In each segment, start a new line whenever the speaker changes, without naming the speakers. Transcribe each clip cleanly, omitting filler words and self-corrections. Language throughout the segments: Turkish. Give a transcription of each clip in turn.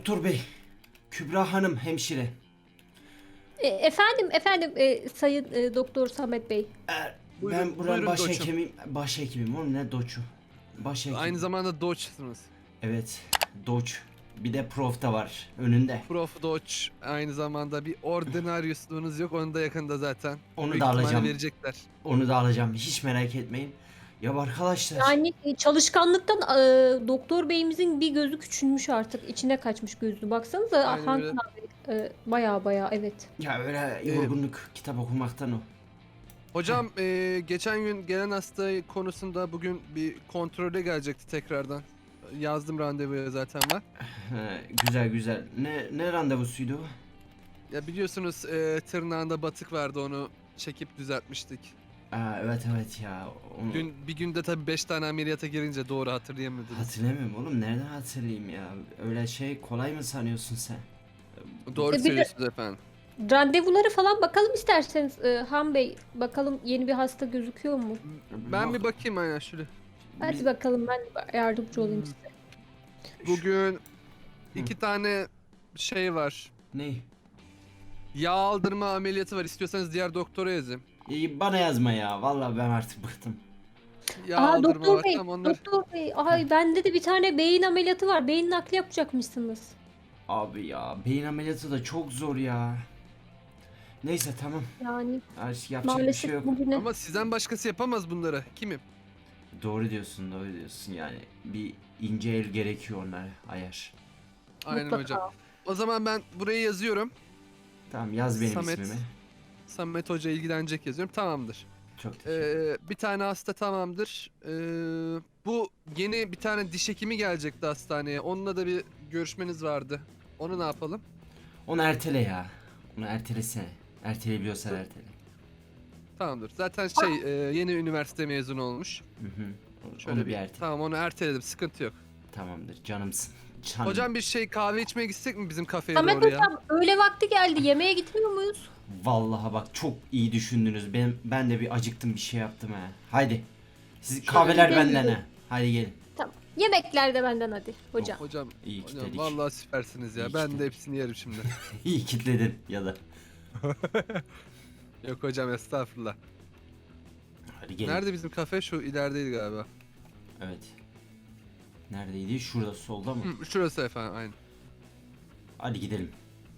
Doktor bey. Kübra hanım hemşire.
Efendim Sayın Doktor Samet Bey.
Ben buranın
buyurun doçum.
başhekimim. Oğlum ne doçu? Başhekim.
Aynı zamanda Doç'sunuz.
Evet. Doç. Bir de prof da var önünde.
Prof Doç aynı zamanda bir ordinaryusluğunuz yok. Onu da yakında zaten.
Onu
Büyük
da
ihtimalle
alacağım.
verecekler.
Onu da alacağım. Hiç merak etmeyin. Ya arkadaşlar.
Yani çalışkanlıktan Doktor Bey'imizin bir gözü küçülmüş artık. İçine kaçmış gözü. Baksanıza
Aynen
Hakan
öyle.
abi. Baya evet.
Ya öyle yorgunluk kitap okumaktan o.
Hocam geçen gün gelen hasta konusunda bugün bir kontrole gelecekti tekrardan. Yazdım randevuya zaten ben.
Güzel. Ne randevusuydu o?
Ya biliyorsunuz tırnağında batık vardı, onu çekip düzeltmiştik.
Evet ya. Onu
Bir günde tabii 5 tane ameliyata girince doğru hatırlayamadınız.
hatırlamıyorum oğlum. Nereden hatırlayayım ya? Öyle şey kolay mı sanıyorsun sen?
Doğru
Bir de-
söylüyorsunuz efendim.
Randevuları falan bakalım isterseniz Han Bey. Bakalım yeni bir hasta gözüküyor mu?
Ben
Yok.
bir bakayım aynen şöyle.
Hadi
Biz-
bakalım ben yardımcı olayım size.
Bugün 2 tane şey var.
Ne?
Yağ aldırma ameliyatı var. İstiyorsanız diğer doktora yazayım.
Bana yazma ya. Vallahi ben artık bıktım.
Yağ
Aa
aldırma
Doktor
var
Bey,
tam onlar.
Doktor Bey. Ay bende de bir tane beyin ameliyatı var. Beyin nakli yapacakmışsınız.
Abi ya beyin ameliyatı da çok zor ya. Neyse tamam.
Yani
Artık yapacak bir
maalesef
şey yok.
bugüne.
Ama sizden başkası yapamaz bunları. Kimim?
Doğru diyorsun yani. Bir ince el gerekiyor onlara ayar.
Aynen
Mutlaka.
hocam. O zaman ben buraya yazıyorum.
Tamam yaz benim
Samet.
ismimi.
Samet Hoca ilgilenecek yazıyorum. Tamamdır.
Çok teşekkür
Bir tane hasta tamamdır. Bu yeni bir tane diş hekimi gelecekti hastaneye. Onunla da bir görüşmeniz vardı. Onu ne yapalım?
Onu ertele ya. Onu ertelesene. Erteleyebiliyorsan ertele.
Tamamdır. Zaten yeni üniversite mezunu olmuş.
Hı.
Şöyle
Onu bir ertele.
Tamam, onu erteledim. Sıkıntı yok.
Tamamdır canımsın. Canım.
Hocam bir kahve içmeye gitsek mi bizim kafeye
Samet
doğru ya?
Hocam öğle vakti geldi. Yemeğe gitmiyor muyuz?
Vallahi bak çok iyi düşündünüz. Ben de bir acıktım bir şey yaptım ha. Haydi. Siz
Şöyle
kahveler
gidelim.
benden ha. Hadi gelin.
Tamam. Yemekler de benden hadi hocam.
Hocam,
İyi ki
hocam
dedik.
vallahi süpersiniz ya.
İyi
Ben
ki
de
dedik.
hepsini yerim şimdi.
İyi kitledin ya da.
Yok hocam, estağfurullah.
Hadi gelin.
Nerede bizim kafe? Şu ilerideydi galiba.
Evet. Neredeydi? Şurada solda mı?
Şurası efendim, aynen.
Hadi gidelim.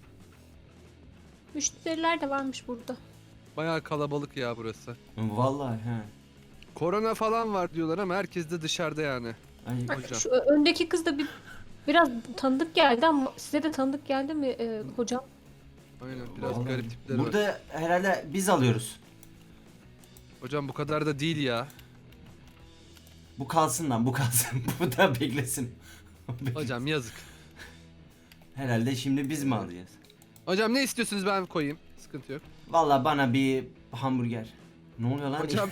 Müşteriler de varmış burada.
Bayağı kalabalık ya burası.
Vallahi ha.
Korona falan var diyorlar ama herkes de dışarıda yani.
Ay,
Hocam.
Şu öndeki kız da biraz tanıdık geldi ama size de tanıdık geldi mi hocam?
Aynen, biraz
vallahi
garip tipleri var.
Burada herhalde biz alıyoruz.
Hocam bu kadar da değil ya.
Bu kalsın lan bu kalsın. Bu da beklesin.
Hocam yazık.
Herhalde şimdi biz mi alacağız?
Hocam ne istiyorsunuz, ben koyayım. Sıkıntı yok.
Vallahi bana bir hamburger. Ne oluyor lan?
Hocam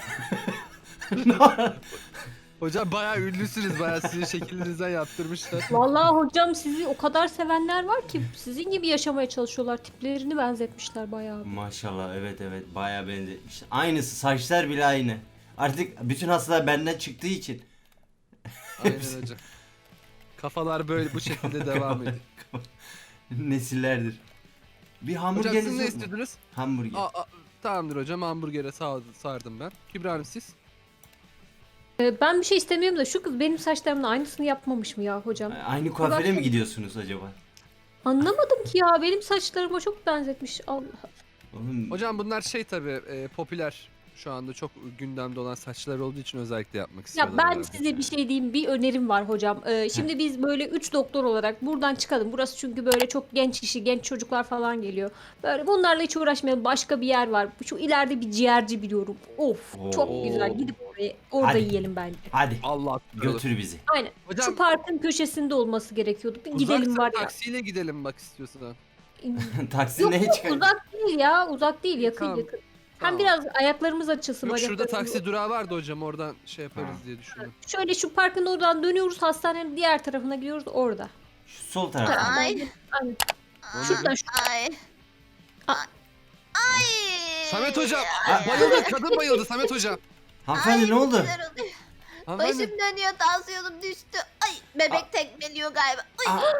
hocam bayağı ünlüsünüz, bayağı sizin şeklinizden yaptırmışlar.
Vallahi hocam sizi o kadar sevenler var ki sizin gibi yaşamaya çalışıyorlar. Tiplerini benzetmişler bayağı.
Maşallah evet bayağı benzetmiş. Aynısı saçlar bile aynı. Artık bütün hastalar benden çıktığı için.
Aynen hocam. Kafalar böyle bu şekilde devam ediyor.
Nesillerdir. Bir
Hocam
hamburgeriniz
siz ne
yok mu?
istediniz?
Hamburger.
Tamamdır hocam, hamburgere sardım ben. Kübra Hanım siz?
Ben bir şey istemiyorum da şu kız benim saçlarımın aynısını yapmamış mı ya hocam?
Aynı kuaföre mi gidiyorsunuz acaba?
Anlamadım ki ya benim saçlarıma çok benzetmiş. Allah.
Oğlum,
Hocam bunlar tabii popüler. Şu anda çok gündemde olan saçlar olduğu için özellikle yapmak
Ya
istiyorlar.
ben
herhalde.
size bir şey diyeyim, bir önerim var hocam. Şimdi biz böyle 3 doktor olarak buradan çıkalım. Burası çünkü böyle çok genç kişi, genç çocuklar falan geliyor. Böyle bunlarla hiç uğraşmayalım. Başka bir yer var. Şu ileride bir ciğerci biliyorum. Of, çok
Oo.
güzel. Gidip orada
Hadi.
yiyelim bence.
hadi
Allah
götür bizi.
Aynen.
Hocam
Şu parkın köşesinde olması gerekiyordu. Bir
uzaksa
gidelim var ya.
taksiyle gidelim bak istiyorsan.
Taksi
Yok
neye
yok
çıkar?
uzak değil ya. Uzak değil, yakın
Tamam.
yakın.
Tamam.
Hem biraz ayaklarımız açılsın.
Yok şurada
bacaklarımız.
taksi durağı vardı hocam, oradan yaparız
Ha.
diye düşündüm.
Şöyle şu parkın oradan dönüyoruz. Hastanenin diğer tarafına gidiyoruz orada.
Şu sol tarafa.
Ay.
Aynen.
Ne
Şuradan şu.
Ay.
Aa.
Ay.
Samet hocam
Ay.
bayıldı, kadın bayıldı Samet hocam.
Hanımefendi ne oldu?
Güzel oluyor.
Hanımefendi,
Başım dönüyor, tansiyonum düştü. Ay, bebek tekmeliyor galiba. Ay.
Aa,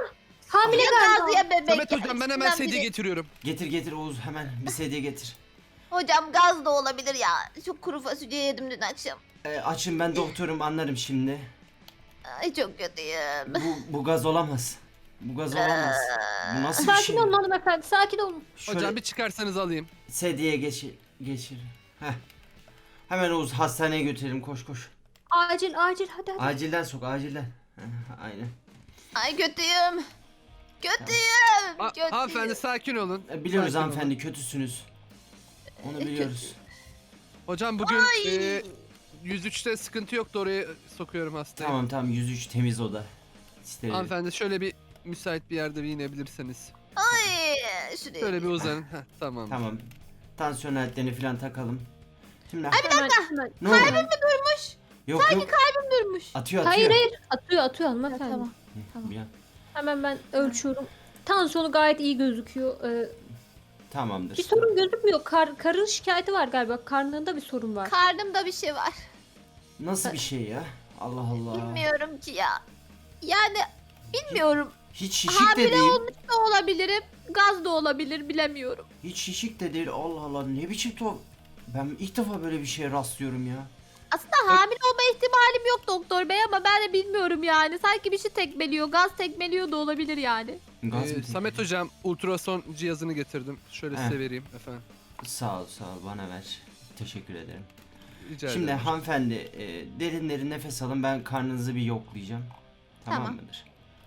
Hamile galiba.
Ya bebek.
Samet hocam ben hemen
İçinden
sedye
biri-
getiriyorum.
Getir Oğuz, hemen bir sedye getir.
Hocam gaz da olabilir ya. Çok kuru fasulye yedim dün akşam.
Açın, ben doktorum, anlarım şimdi.
Ay çok kötüyüm.
Bu gaz olamaz. Bu gaz olamaz. Bu nasıl bir
Sakin
şey?
olun hanımefendi, sakin olun.
Şöyle
Hocam bir çıkarsanız alayım.
sedyeye geçir. Heh. Hemen Oğuz hastaneye götürelim, koş.
Acil hadi.
Acilden sok, acilden. Heh, aynen.
Ay kötüyüm. Kötüyüm. Kötüyüm.
Hanımefendi sakin olun.
Biliyoruz
Sakin
hanımefendi,
olun.
kötüsünüz. Onu biliyoruz.
Hocam bugün 103'te sıkıntı yoktu, oraya sokuyorum hastayı.
Tamam 103 temiz oda. Steril.
Hanımefendi şöyle bir müsait bir yerde bir inebilirseniz.
Ay şuraya.
Şöyle bir uzanın. Heh, tamam.
Tamam. Tansiyon aletlerini falan takalım. Şimdi
Hemen.
ne oldu?
Durmuş.
Yok.
Durmuş.
Atıyor.
Hayır. Atıyor hanımefendi.
Tamam.
Hı, bir an.
Hemen ben ölçüyorum. Tansiyonu gayet iyi gözüküyor.
Tamamdır.
Bir sorun gözükmüyor. Karın şikayeti var galiba. Karnında bir sorun var.
Karnımda bir şey var.
Nasıl bir şey ya? Allah Allah.
Bilmiyorum ki ya. Yani bilmiyorum.
Hiç şişik de
Hamile
değil.
olmuş da olabilirim. Gaz da olabilir bilemiyorum.
Hiç şişik de değil. Allah Allah, ne biçim tuhaf. Ben ilk defa böyle bir şeye rastlıyorum ya.
Aslında hamile olma ihtimalim yok doktor bey ama ben de bilmiyorum yani. Sanki bir şey tekmeliyor. Gaz tekmeliyor da olabilir yani.
Gaz mı
Samet hocam ultrason cihazını getirdim. Şöyle
Heh.
size vereyim efendim.
Sağ ol bana ver. Teşekkür ederim.
Rica
Şimdi
ederim.
hanımefendi derin nefes alın, ben karnınızı bir yoklayacağım. Tamam,
Tamam.
mıdır?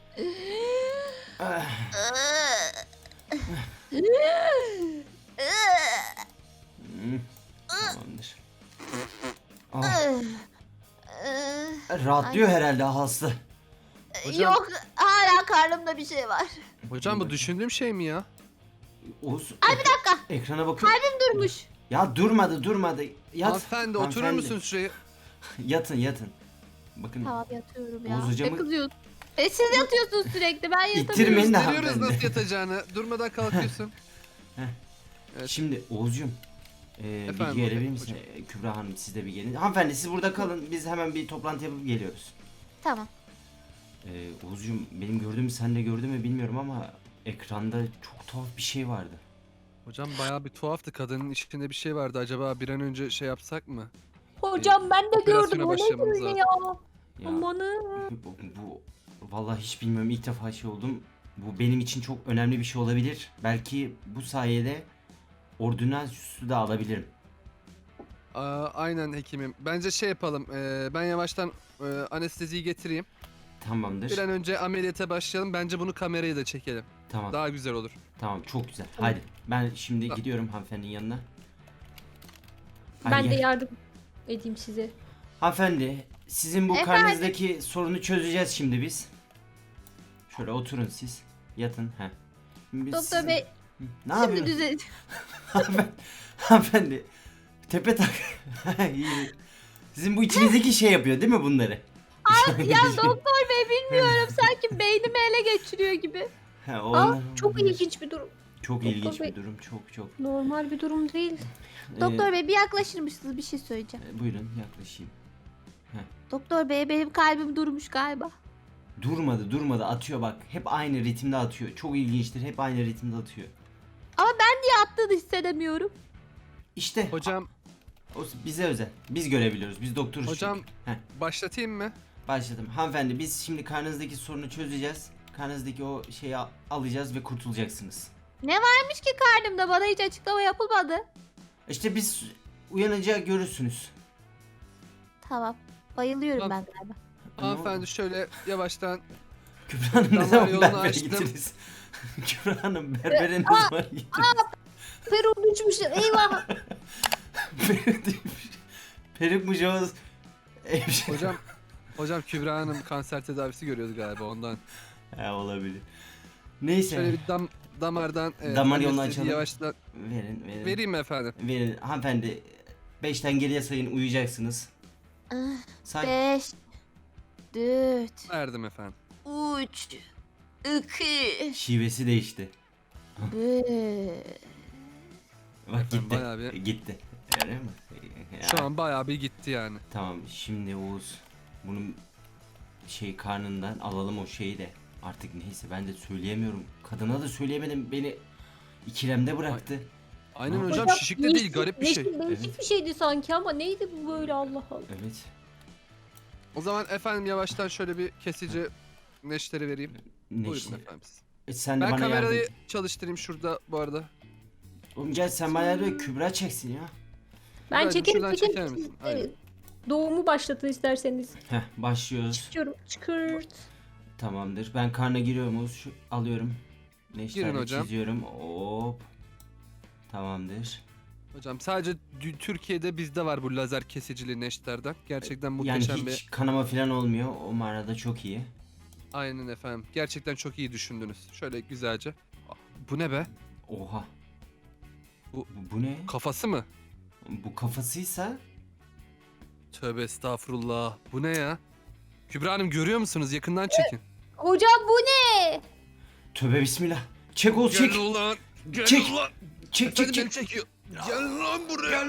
Ah, hmm, tamamdır. Ah, rahatlıyor herhalde hasta.
Hocam-
Yok hala karnımda bir şey var.
Hocam bu düşündüğüm şey mi ya?
Oğuz,
Ay bir dakika.
ekrana bakıyor.
Durmuş.
Ya durmadı. Yat.
Hanımefendi oturur
Hanımefendi.
musunuz şuraya?
Yatın. Bakın.
Tamam yatıyorum ya.
Oğuz hocamı-
Ne kızıyorsun? Siz yatıyorsunuz sürekli. Ben yatamıyorum.
İttirmeyin de
Gösteriyoruz
hanımefendi.
nasıl yatacağını. Durmadan kalkıyorsun. Evet.
Şimdi Oğuz'cum bir
Efendim
gelebilir
hocam.
misin? Kübra Hanım, siz de bir gelin. Hanımefendi siz burada kalın, biz hemen bir toplantı yapıp geliyoruz.
Tamam.
Oğuz'cum, benim gördüğümü sen de gördün mü bilmiyorum ama ekranda çok tuhaf bir şey vardı.
Hocam bayağı bir tuhaftı. Kadının içinde bir şey vardı. Acaba bir an önce şey yapsak mı?
Hocam ben de
Operasyona
gördüm. O ne
başlamamız
böyle
lazım.
ya?
Ya,
Amanın.
bu vallahi hiç bilmiyorum, ilk defa şey oldum. Bu benim için çok önemli bir şey olabilir. Belki bu sayede ordünansüsü de alabilirim.
Aynen hekimim. Bence şey yapalım. Ben yavaştan anesteziyi getireyim.
Tamamdır.
Bir an önce ameliyata başlayalım. Bence bunu kamerayı da çekelim.
Tamam.
Daha güzel olur.
Tamam, çok güzel. Hadi. Ben şimdi
Tamam.
gidiyorum hanımefendinin yanına. Hadi
Ben de
gel.
yardım edeyim size.
Hanımefendi, sizin bu
Efendim?
karnınızdaki sorunu çözeceğiz şimdi biz. Şöyle oturun siz. Yatın. Heh. Biz
Doktor
sizin-
bey
Ne
şimdi
yapıyorsun?
düzel.
Hanımefendi. Tepe tak. İyi. Sizin bu içinizdeki şey yapıyor değil mi bunları?
Ya doktor bey bilmiyorum. Sanki beynimi ele geçiriyor gibi.
Ha,
Aa,
onlar
çok
olabilir.
ilginç bir durum.
Çok
Doktor
ilginç
bey.
bir durum. Çok.
Normal bir durum değil.
Doktor bey bir yaklaşır mısınız? Bir şey söyleyeceğim.
Buyurun yaklaşayım.
Doktor bey benim kalbim durmuş galiba.
Durmadı atıyor bak. Hep aynı ritimde atıyor. Çok ilginçtir. Hep aynı ritimde atıyor.
Ama ben niye attığını hissedemiyorum.
İşte
Hocam
o bize özel. Biz görebiliyoruz. Biz doktoruz.
Hocam-
çünkü. Heh,
başlatayım mı?
başladım. Hanımefendi, biz şimdi karnınızdaki sorunu çözeceğiz. Karnınızdaki o şeyi alacağız ve kurtulacaksınız.
Ne varmış ki karnımda? Bana hiç açıklama yapılmadı.
İşte biz uyanınca görürsünüz.
Tamam. Bayılıyorum
Tamam.
ben galiba.
Hanımefendi şöyle yavaştan
Kübra Hanım ne
Damar
zaman
yolunu
berbere
açtım.
gittiniz? Kübra Hanım berbere ne zaman gittiniz?
Perum uçmuşlar. Eyvah.
Peruk mu Joz?
hocam Kübra Hanım kanser tedavisi görüyordu galiba ondan.
He, olabilir. Neyse.
Şöyle bir damardan
Damar yolunu
anestezi
açalım.
yavaştan
Verin.
vereyim mi efendim?
Verin. Hanımefendi 5'ten geriye sayın, uyuyacaksınız. Say.
5 4
Verdim efendim.
3 2
Şivesi değişti.
1
Bak
Efendim,
gitti.
bayağı bir-
Gitti. Öyle mi? Ya,
Şu an bayağı bir gitti yani.
Tamam, şimdi Oğuz bunun karnından alalım o şeyi de. Artık neyse ben de söyleyemiyorum. Kadına da söyleyemedim. Beni ikilemde bıraktı.
Aynen
Hocam,
hocam, şişik de değil, garip bir şey.
Değişik
Evet.
bir şeydi sanki ama neydi bu böyle Allah Allah.
Evet.
O zaman efendim yavaştan şöyle bir kesici neşteri vereyim.
Ne
Buyurun
işte.
efendim siz.
Sen de
Ben
bana
kamerayı
yardım.
çalıştırayım şurada bu arada.
Oğlum gel sen bana yardım et. Kübra çeksin ya.
Ben
Güzelcim,
çekerim
şuradan
çekerim.
çeker misin? Aynen.
Doğumu başlatın isterseniz.
Heh başlıyoruz.
Çıkıyorum. Çıkırt.
Tamamdır. Ben karna giriyorum. Şu alıyorum. Neşterle
Girin hocam.
çiziyorum. Hop. Tamamdır.
Hocam sadece Türkiye'de bizde var bu lazer kesicili neşterden. Gerçekten
Yani
muhteşem
hiç
bir...
kanama falan olmuyor. O manada çok iyi.
Aynen efendim. Gerçekten çok iyi düşündünüz. Şöyle güzelce. Ah, bu ne be?
Oha.
Bu-
Bu ne?
Kafası mı?
Bu kafasıysa
Tövbe estağfurullah. Bu ne ya? Kübra Hanım görüyor musunuz? Yakından çekin.
Hocam bu ne?
tövbe bismillah. Çek ol çek.
ulan. Gel
Çek.
ulan.
Çek
Efendim
çek
beni
çek.
çekiyor. Gel lan buraya.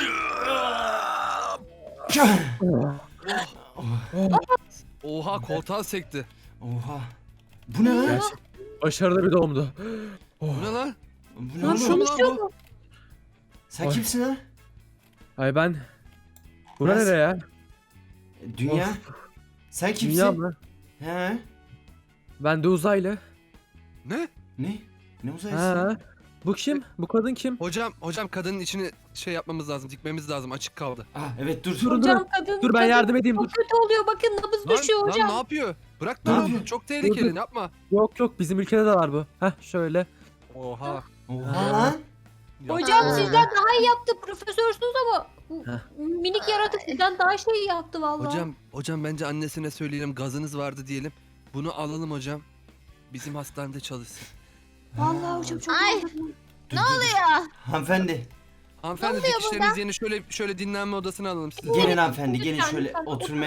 Oha koltuğa sekti.
Oha. Bu ne lan?
Gerçek. Başarılı bir doğumdu.
Bu ne lan?
Bu ne
Lan
oğlum?
konuşuyor mu?
Sen
Ay.
kimsin lan?
Ay ben... Bura
Nasıl?
nere ya?
Dünya.
Of.
Sen kimsin?
Dünya mı?
He?
Ben de uzaylı.
Ne?
Ne? Ne uzaylısı?
Ha. Bu kim? Bu kadın kim?
Hocam kadının içini şey yapmamız lazım, dikmemiz lazım. Açık kaldı.
Ah evet dur.
Durun,
Hocam kadın.
Dur ben
kadın
yardım edeyim dur.
Çok kötü oluyor bakın nabız düşüyor
Lan
hocam.
ne yapıyor? Bırak
Ne
lan
yapıyor?
onu. Çok tehlikeli.
Dur.
Yapma.
Yok bizim ülkede de var bu. Heh şöyle.
Oha.
Oha lan.
Hocam
Ha.
sizden daha iyi yaptı profesörsünüz ama bu
Heh.
minik yaratık sizden daha şey yaptı vallahi.
Hocam bence annesine söyleyelim, gazınız vardı diyelim. Bunu alalım hocam. Bizim hastanede çalışsın.
Vallahi hocam çok
Ay.
Dur, dur, dur.
Ya.
Hanımefendi.
Hanımefendi
oluyor
dikişleriniz yeni, şöyle dinlenme odasına alalım sizi.
Gelin hanımefendi gelin
Lütfen,
şöyle
lütfen,
oturma.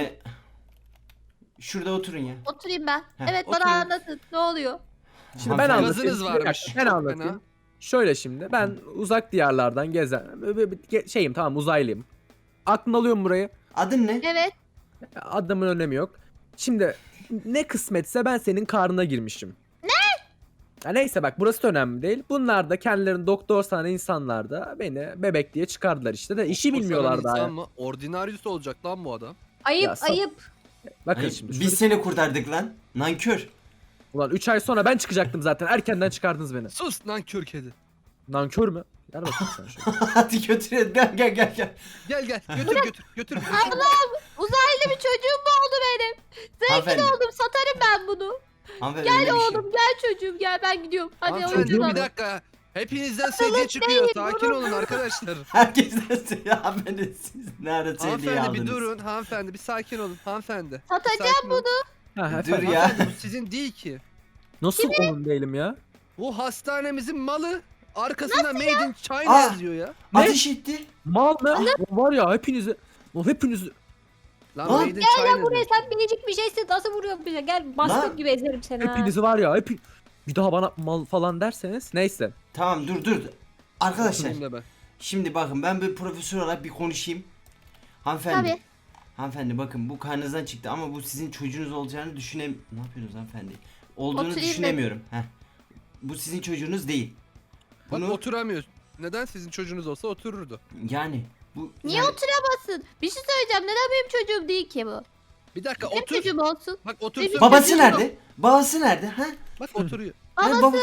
Şurada oturun ya.
Oturayım ben.
Heh,
Evet
oturun.
bana anlatın. Ne oluyor?
Şimdi ben
Hanımefendi-
anlatayım.
Gazınız
Bir dakika,
varmış.
Ben
Çok
anlatayım.
fena.
Şöyle şimdi ben uzak diyarlardan gezen şeyim tamam uzaylıyım. Aklını alıyorum burayı.
Adın ne?
Evet.
Adımın önemi yok. Şimdi ne kısmetse ben senin karnına girmişim. Ne? Ya neyse bak burası da önemli değil. Bunlar da kendilerini doktor sanan insanlar da beni bebek diye çıkardılar işte de işi
O
bilmiyorlar
sana
daha.
insan
ya.
mı? Ordinaryus olacak lan bu adam.
Ayıp
Ya,
ayıp.
Bakın
Ay,
şimdi.
biz seni kurtardık lan. Nankör.
Ulan 3 ay sonra ben çıkacaktım zaten. Erkenden çıkardınız beni.
Sus lan kör kedi.
Nankör mü? Gel bakayım sen şöyle.
Hadi götürelim. Gel gel gel gel.
Gel götür.
Uzaylı bir çocuğum mu oldu benim?
Hanımefendi.
Oğlum satarım ben bunu.
Hanımefendi öyle
Gel
bir şey
oğlum gel çocuğum gel ben gidiyorum. Hadi
Hanımefendi
oğlum.
bir dakika. Hepinizden sedye çıkıyor. Sakin olun arkadaşlar.
Herkesten söylüyor. Hanımefendi siz ne ara sevdiği
Hanımefendi
aldınız.
bir durun. Hanımefendi bir sakin olun. Hanımefendi.
Satacağım
Sakin olun.
Ha,
Dur
efendim.
ya.
Hanımefendi bu sizin değil ki.
Nasıl onun değilim ya?
Bu hastanemizin malı. Arkasında Made in China
Aa!
yazıyor ya.
Ateş etti.
Mal mı? Var ya hepinizi. O hepinizi.
Lan
Lan.
Made in China
Buraya
diyor.
sen minicik bir şeysin nasıl vuruyor bize gel bastığım
Lan.
gibi ezerim seni ha.
Hepinizi var ya. Bir daha bana mal falan derseniz neyse.
Tamam dur. Arkadaşlar
Oturayım da ben.
şimdi bakın ben bir profesör olarak bir konuşayım. Hanımefendi.
Tabii.
Hanımefendi bakın bu karnınızdan çıktı ama bu sizin çocuğunuz olacağını Ne yapıyorsunuz hanımefendi? Olduğunu
Oturayım
düşünemiyorum. Heh. Bu sizin çocuğunuz değil.
Bak
Bunu
oturamıyor. Neden sizin çocuğunuz olsa otururdu.
yani bu
Niye
yani-
oturamazsın? Bir şey söyleyeceğim. Neden benim çocuğum değil ki bu?
Bir dakika
Benim
otur.
çocuğum olsun.
Bak otursun.
Babası
Çocuğu-
nerede? Babası nerede? Ha?
Bak oturuyor.
Ha,
Babası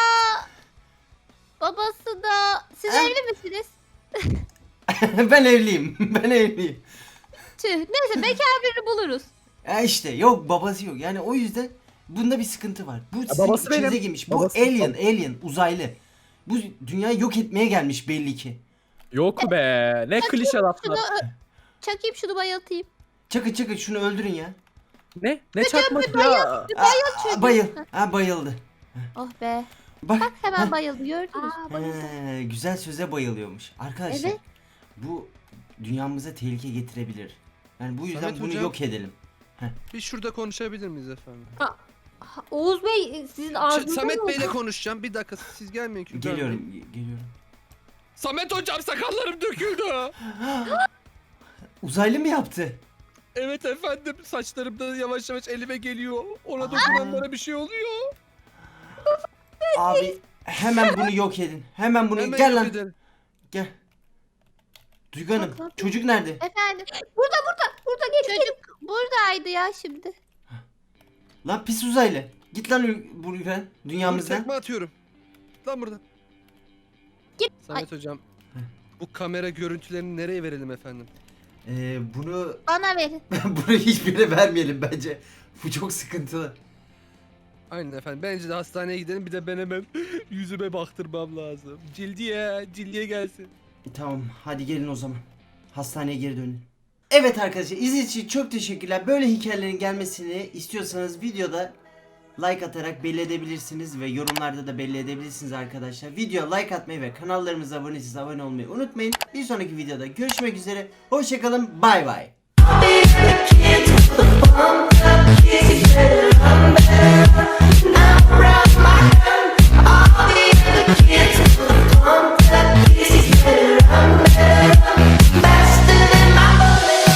da... Siz
Ha?
evli misiniz?
ben evliyim. Ben evliyim.
Tüh. Neyse bekar birini buluruz.
Ya işte yok babası yok. Yani o yüzden bunda bir sıkıntı var. Bu sizin
babası
içinize
benim.
girmiş. Bu
Babası-
alien uzaylı. Bu dünyayı yok etmeye gelmiş belli ki.
Yok be. Ne klişe laflar.
Çakayım şunu bayıltayım.
Çakın şunu öldürün ya.
Ne çakması ya?
Bayıl. Ha bayıldı.
Oh be.
Bak.
Hemen bayıldı gördünüz.
Güzel söze bayılıyormuş. Arkadaşlar
Evet.
bu dünyamıza tehlike getirebilir. Yani bu yüzden
Samet
bunu
hocam.
yok edelim.
Bir şurada konuşabilir miyiz efendim?
Oğuz Bey sizin ağzınızda
Samet
mı
Bey'le
oldu?
konuşacağım. Bir dakika siz gelmeyin. Kübra Bey.
Geliyorum.
Samet hocam sakallarım döküldü.
Uzaylı mı yaptı?
Evet efendim, saçlarım da yavaş yavaş elime geliyor. Ona dokunanlara bir şey oluyor.
Abi hemen bunu yok edin. Hemen bunu
Hemen
gel
yok
lan.
edelim.
Gel. Duygu Hanım,
Bak, bak.
çocuk nerede?
Efendim
Burada geç.
çocuk buradaydı ya şimdi.
Lan pis uzaylı. Git lan buradan,
Dur,
dünyamızdan.
tekme atıyorum. Git lan buradan. Samet hocam, bu kamera görüntülerini nereye verelim efendim?
Bunu
Bana verin.
bunu hiçbirine vermeyelim bence. Bu çok sıkıntılı.
Aynen efendim. Bence de hastaneye gidelim. Bir de ben hemen yüzüme baktırmam lazım. Cildiye gelsin.
Tamam, hadi gelin o zaman. Hastaneye geri dönün. Evet arkadaşlar, izlediğiniz için çok teşekkürler. Böyle hikayelerin gelmesini istiyorsanız videoda like atarak belli edebilirsiniz ve yorumlarda da belli edebilirsiniz arkadaşlar. Videoya like atmayı ve kanallarımıza abone değilseniz abone olmayı unutmayın. Bir sonraki videoda görüşmek üzere. Hoşçakalın. Bay bay.